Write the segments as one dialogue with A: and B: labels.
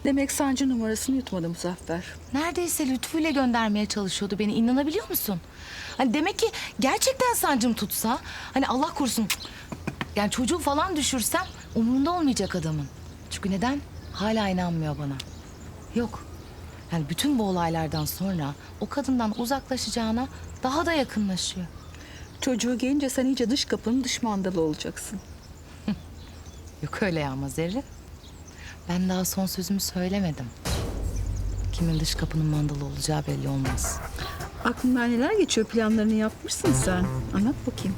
A: Demek sancı numarasını yutmadı Muzaffer.
B: Neredeyse lütfuyla göndermeye çalışıyordu beni. İnanabiliyor musun? Hani demek ki gerçekten sancım tutsa... Hani Allah korusun... Yani çocuğu falan düşürsem umurunda olmayacak adamın. Çünkü neden? Hala inanmıyor bana. Yok. Yani bütün bu olaylardan sonra o kadından uzaklaşacağına daha da yakınlaşıyor.
A: Çocuğu gelince sen iyice dış kapının dış mandalı olacaksın.
B: Yok öyle ya Zerrin. Ben daha son sözümü söylemedim. Kimin dış kapının mandalı olacağı belli olmaz.
A: Aklından neler geçiyor, planlarını yapmışsın sen. Anlat bakayım.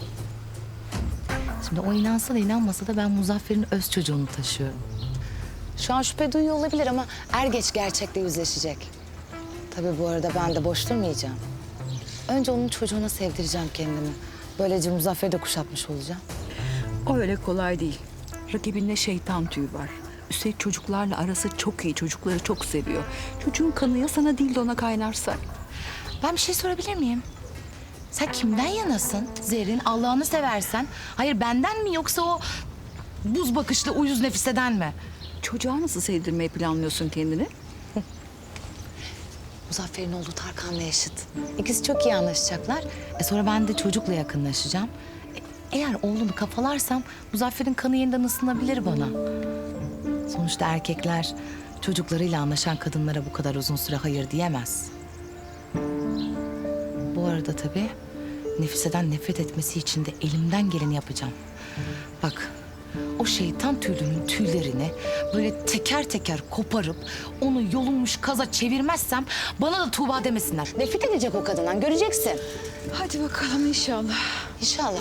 B: Şimdi o inansa da inanmasa da ben Muzaffer'in öz çocuğunu taşıyorum. Şu an şüphe duyuyor olabilir ama er geç gerçekle yüzleşecek. Tabii bu arada ben de boş durmayacağım. Önce onun çocuğuna sevdireceğim kendimi. Böylece Muzaffer'i de kuşatmış olacağım.
A: O öyle kolay değil. Rakibinde şeytan tüyü var. Üstelik çocuklarla arası çok iyi. Çocukları çok seviyor. Çocuğun kanı ya sana değil de ona kaynarsa.
B: Ben bir şey sorabilir miyim? Sen kimden yanasın Zerrin? Allah'ını seversen. Hayır benden mi yoksa o buz bakışlı uyuz Nefise'den mi?
A: Çocuğa nasıl sevdirmeyi planlıyorsun kendini?
B: Muzaffer'in oğlu Tarkan'la yaşıt. İkisi çok iyi anlaşacaklar. Sonra ben de çocukla yakınlaşacağım. Eğer oğlunu kafalarsam Muzaffer'in kanı yeniden ısınabilir bana. Sonuçta erkekler çocuklarıyla anlaşan kadınlara bu kadar uzun süre hayır diyemez. Bu arada tabii Nefise'den nefret etmesi için de elimden geleni yapacağım. Bak o şeytan tüylünün tüylerini böyle teker teker koparıp onu yolunmuş kaza çevirmezsem bana da Tuğba demesinler. Nefret edecek o kadından, göreceksin.
A: Hadi bakalım inşallah.
B: İnşallah.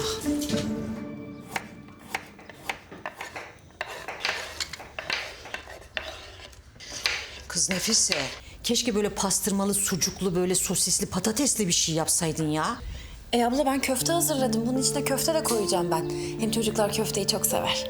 C: Kız Nefise, keşke böyle pastırmalı, sucuklu, böyle sosisli, patatesli bir şey yapsaydın ya.
D: Abla ben köfte hazırladım. Bunun içine köfte de koyacağım ben. Hem çocuklar köfteyi çok sever.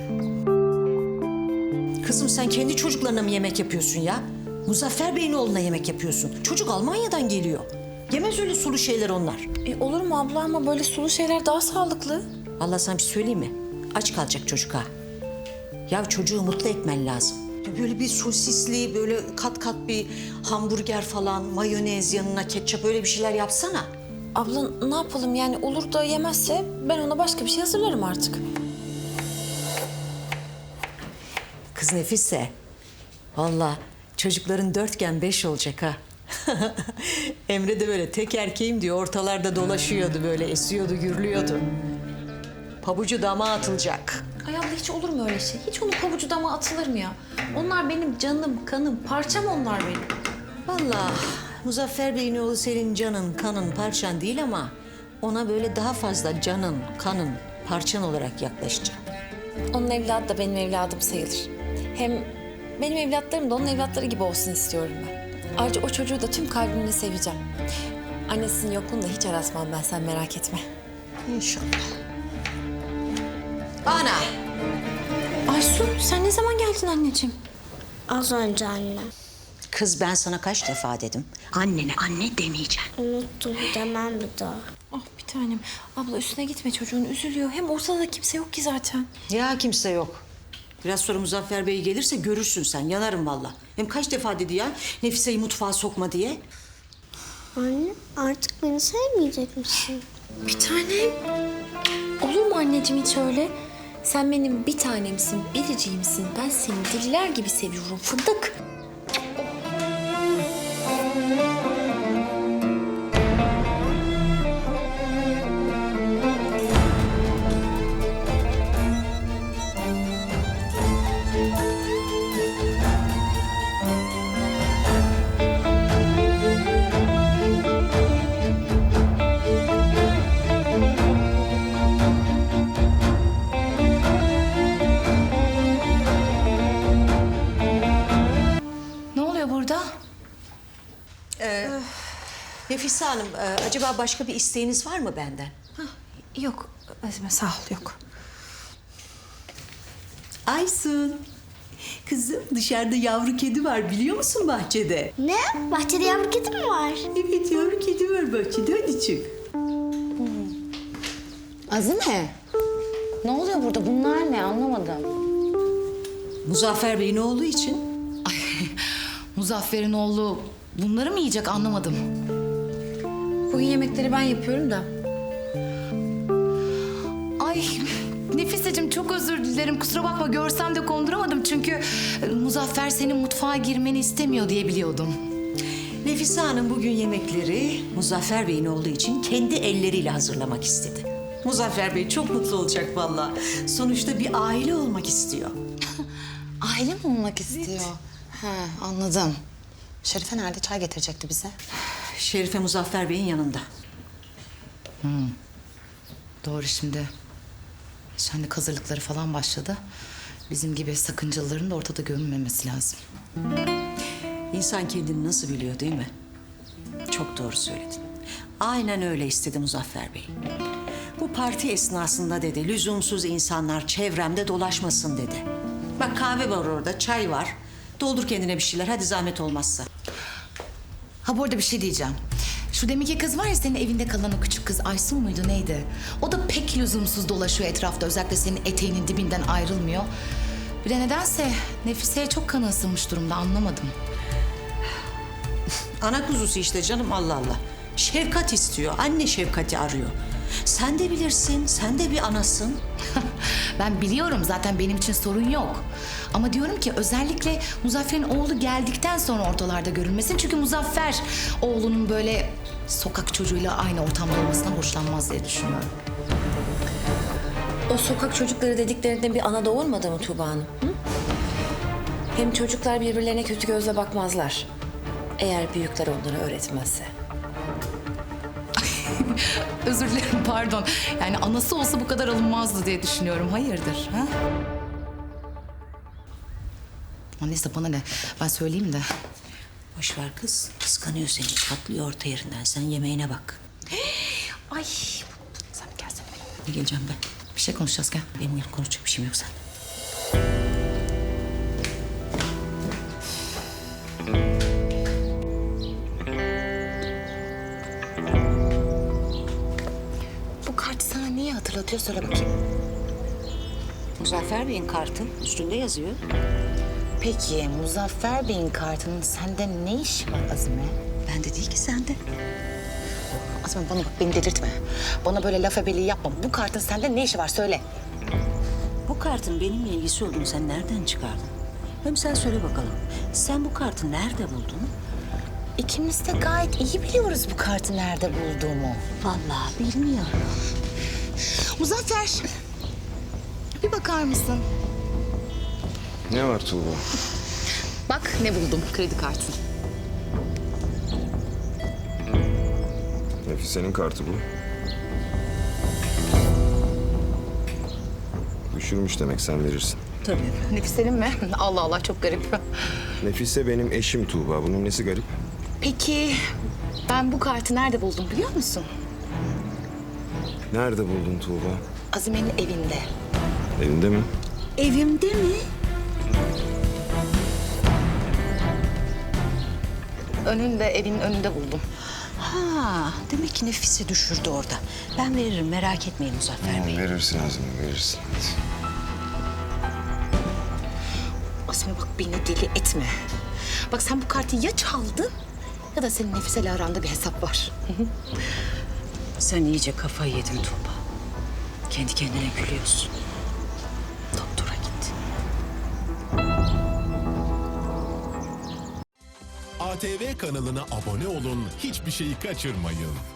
C: Kızım sen kendi çocuklarına mı yemek yapıyorsun ya? Muzaffer Bey'in oğluna yemek yapıyorsun. Çocuk Almanya'dan geliyor. Yemez öyle sulu şeyler onlar.
D: Olur mu abla ama böyle sulu şeyler daha sağlıklı.
C: Vallahi sana bir şey söyleyeyim mi? Aç kalacak çocuk ha. Ya çocuğu mutlu etmen lazım. Böyle bir sosisli, böyle kat kat bir hamburger falan, mayonez yanına ketçap öyle bir şeyler yapsana.
D: Abla ne yapalım yani olur da yemezse ben ona başka bir şey hazırlarım artık.
C: Kız Nefise, vallahi çocukların 4'gen 5 olacak ha. Emre de böyle tek erkeğim diyor, ortalarda dolaşıyordu böyle, esiyordu, gürlüyordu. Pabucu dama atılacak.
D: Ay abla hiç olur mu öyle şey? Hiç onun pabucu dama atılır mı ya? Onlar benim canım, kanım, parçam onlar benim.
C: Vallahi Muzaffer Bey'in oğlu senin canın, kanın, parçan değil ama ona böyle daha fazla canın, kanın, parçan olarak yaklaşacak.
D: Onun evladı da benim evladım sayılır. Hem benim evlatlarım da onun evlatları gibi olsun istiyorum ben. Ayrıca o çocuğu da tüm kalbimle seveceğim. Annesinin yokluğunu da hiç aratmam ben, sen merak etme.
C: İnşallah. Ana!
D: Aysu sen ne zaman geldin anneciğim?
E: Az önce anne.
C: Kız ben sana kaç defa dedim. Annene anne demeyeceksin.
E: Unuttum, demem bir daha.
D: Ah bir tanem. Abla üstüne gitme çocuğun üzülüyor. Hem ortada kimse yok ki zaten.
C: Ya kimse yok. Biraz sonra Muzaffer Bey gelirse görürsün sen. Yanarım vallahi. Hem kaç defa dedi ya Nefise'yi mutfağa sokma diye.
E: Anne, artık beni sevmeyecek misin?
D: Bir tanem. Olur mu anneciğim hiç öyle? Sen benim bir tanemsin, biriciğimsin. Ben seni deliler gibi seviyorum fındık.
B: Ne oluyor burada?
C: Nefise Hanım, acaba başka bir isteğiniz var mı benden?
D: Yok Azime sağ ol yok.
C: Aysun, kızım dışarıda yavru kedi var biliyor musun bahçede?
E: Ne? Bahçede yavru kedi mi var?
C: Evet yavru kedi var bahçede hadi çık.
B: Azime. Ne oluyor burada? Bunlar ne? Anlamadım.
C: Muzaffer Bey'in oğlu için.
B: Ay Muzaffer'in oğlu bunları mı yiyecek anlamadım.
D: Bugün yemekleri ben yapıyorum da.
B: Ay Nefiseciğim çok özür dilerim. Kusura bakma görsem de konduramadım. Çünkü Muzaffer senin mutfağa girmeni istemiyor diye biliyordum.
C: Nefise Hanım bugün yemekleri Muzaffer Bey'in olduğu için kendi elleriyle hazırlamak istedi. Muzaffer Bey çok mutlu olacak vallahi. Sonuçta bir aile olmak istiyor.
F: Aile mi olmak istiyor? Ha, anladım. Şerife nerede? Çay getirecekti bize.
C: Şerife Muzaffer Bey'in yanında.
B: Doğru şimdi. Şenlik hazırlıkları falan başladı. Bizim gibi sakıncalıların da ortada görünmemesi lazım.
C: İnsan kendini nasıl biliyor değil mi? Çok doğru söyledin. Aynen öyle istedi Muzaffer Bey. Bu parti esnasında dedi, lüzumsuz insanlar çevremde dolaşmasın dedi. Bak kahve var orada, çay var. Doldur kendine bir şeyler, hadi zahmet olmazsa.
B: Ha bu arada bir şey diyeceğim. Şu deminki kız var ya senin evinde kalan o küçük kız Aysun muydu neydi? O da pek lüzumsuz dolaşıyor etrafta. Özellikle senin eteğinin dibinden ayrılmıyor. Bir de nedense Nefise'ye çok kanı ısınmış durumda anlamadım.
C: Ana kuzusu işte canım, Allah Allah. Şefkat istiyor, anne şefkati arıyor. Sen de bilirsin, sen de bir anasın.
B: Ben biliyorum zaten benim için sorun yok. Ama diyorum ki özellikle Muzaffer'in oğlu geldikten sonra ortalarda görünmesin. Çünkü Muzaffer oğlunun böyle sokak çocuğuyla aynı ortamda olmasından hoşlanmaz diye düşünüyorum.
D: O sokak çocukları dediklerinde bir ana doğurmadı mı Tuğba Hanım? Hı? Hem çocuklar birbirlerine kötü gözle bakmazlar. Eğer büyükler onları öğretmezse.
B: Özür dilerim pardon. Yani anası olsa bu kadar alınmazdı diye düşünüyorum. Hayırdır ha? Ama neyse bana ne? Ben söyleyeyim de.
C: Boş ver kız, kıskanıyor seni. Patlıyor orta yerinden, sen yemeğine bak.
B: Ay sen bir gelsene benimle.
C: Ne geleceğim ben?
B: Bir şey konuşacağız gel.
C: Benim konuşacak bir şeyim yok sen.
F: Bu kartı sana niye hatırlatıyor? Söyle bakayım.
C: Muzaffer Bey'in kartı üstünde yazıyor.
F: Peki Muzaffer Bey'in kartının sende ne işi var Azime?
C: Bende değil ki sende.
F: Azime bana bak beni delirtme. Bana böyle laf ebeliği yapma. Bu kartın sende ne işi var söyle.
C: Bu kartın benimle ilgisi olduğunu sen nereden çıkardın? Hem sen söyle bakalım. Sen bu kartı nerede buldun?
F: İkimiz de gayet iyi biliyoruz bu kartı nerede bulduğumu.
C: Vallahi bilmiyorum.
B: Muzaffer. Bir bakar mısın?
G: Ne var Tuğba?
B: Bak ne buldum kredi kartın.
G: Nefise'nin kartı bu. Düşürmüş demek, sen verirsin.
C: Tabii.
B: Nefise'nin mi? Allah Allah çok garip.
G: Nefise benim eşim Tuğba. Bunun nesi garip?
B: Peki ben bu kartı nerede buldum biliyor musun?
G: Nerede buldun Tuğba?
B: Azime'nin evinde.
G: Evinde mi?
C: Evimde mi?
B: Evinin önünde buldum.
C: Ha, demek ki Nefise düşürdü orada. Ben veririm, merak etmeyin Muzaffer Bey.
G: Verirsin Azime, verirsin. Hadi.
B: Azime bak beni deli etme. Bak sen bu kartı ya çaldın ya da senin Nefise'yle aranda bir hesap var.
C: Sen iyice kafayı yedin Tuğba. Kendi kendine gülüyorsun. Doktora git.
H: ATV kanalına abone olun, hiçbir şeyi kaçırmayın.